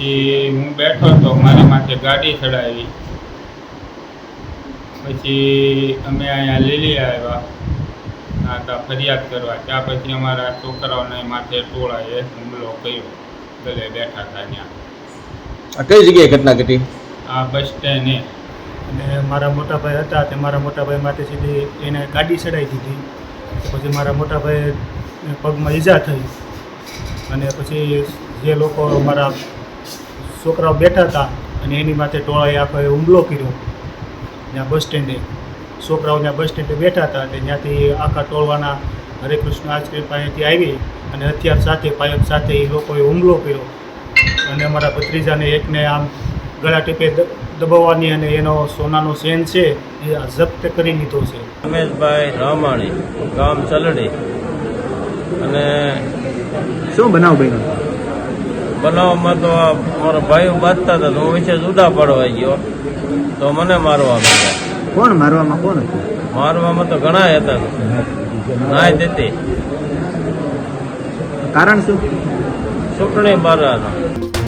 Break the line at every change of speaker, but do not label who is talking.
પછી હું બેઠો તો મારી માથે ગાડી ચડાવી. પછી અમે અહીંયા લીલી આવ્યા હતા ફરિયાદ કરવા. ત્યાં પછી અમારા છોકરાઓને માથે ટોળાએ હુમલો કર્યો. ગલે બેઠા હતા ત્યાં.
આ કઈ જગ્યાએ ઘટના ઘટી?
આ બસ સ્ટેન્ડે.
અને મારા મોટા ભાઈ હતા તે મારા મોટા ભાઈ માથે સીધી એને ગાડી ચડાવી દીધી. પછી મારા મોટા ભાઈ પગમાં ઈજા થઈ અને પછી જે લોકો મારા છોકરાઓ બેઠા હતા અને એની માથે ટોળાએ આખો હુમલો કર્યો. ત્યાં બસ સ્ટેન્ડે છોકરાઓ ત્યાં બસ સ્ટેન્ડે બેઠા હતા તે ત્યાંથી આખા ટોળવાના હરે કૃષ્ણ આઈસ્ક્રીમ પાસેથી આવી અને હથિયાર સાથે પાયક સાથે એ લોકોએ હુમલો કર્યો અને અમારા ભત્રીજાને એકને આમ ગળા ટીપે દબાવવાની અને એનો સોનાનો ચેન છે એ જપ્ત કરી લીધો છે.
રમેશભાઈ રામાણી, ગામ ચલડી. અને
શું બનાવ બન્યો?
બનાવમાં તો આ મારા ભાઈઓ બાંધતા હતા તો હું વિશે જુદા પડવા ગયો તો મને મારવા માંડ્યા.
કોણ મારવામાં? કોણ હતું?
મારવામાં તો ઘણા હતા, નાય દેતી.
કારણ શું?
ચૂંટણી બારાનો.